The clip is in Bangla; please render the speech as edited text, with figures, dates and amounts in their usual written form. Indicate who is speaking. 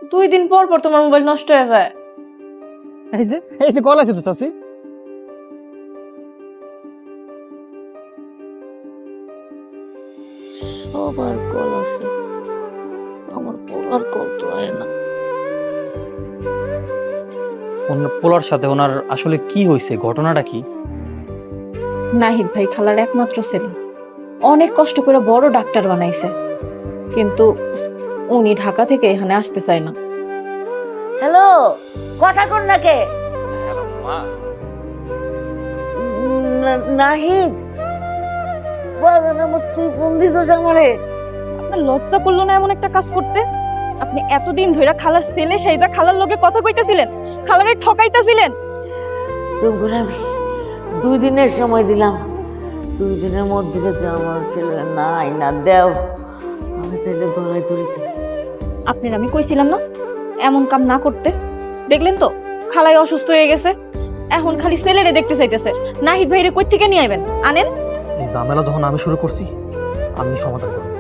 Speaker 1: 2 দিন পর পর তোমার মোবাইল নষ্ট হয়ে যায়।
Speaker 2: এই যে কল আছে তো চাচি।
Speaker 3: সবার কল আছে, আমার পোলার কল তো হয় না।
Speaker 4: পোলার সাথে ওনার আসলে কি হয়েছে, ঘটনাটা কি?
Speaker 1: নাহিদ ভাই খালার একমাত্র ছেলে, অনেক কষ্ট করে বড় ডাক্তার বানাইছে, কিন্তু উনি ঢাকা থেকে এখানে আসতে চায় না।
Speaker 3: হ্যালো, কথা কর না কে?
Speaker 4: হ্যালো মা।
Speaker 3: নাহিদ, বাজান আমার, তুই ফোন দিছস আমারে?
Speaker 1: আপনার লজ্জা করলো না এমন একটা কাজ করতে? আপনি এতদিন ধরে খালার ছেলে সেইটা খালার লগে কথা কইতেছিলেন, খালারে ঠকাইতেছিলেন।
Speaker 3: তোমরা আমি 2 দিনের সময় দিলাম, 2 দিনের মধ্যে যদি আমার ছেলে নাই না দেও, আমি তাহলে গলায় ধরিতে।
Speaker 1: আপনার আমি কইছিলাম না এমন কাম না করতে? দেখলেন তো খালাই অসুস্থ হয়ে গেছে, এখন খালি ছেলেরে দেখতে চাইতেছে। নাহিদ ভাইরে কই থেকে নিয়ে আইবেন? আনেন।
Speaker 2: এই ঝামেলা যখন আমি শুরু করছি, আমি সমাধান করব।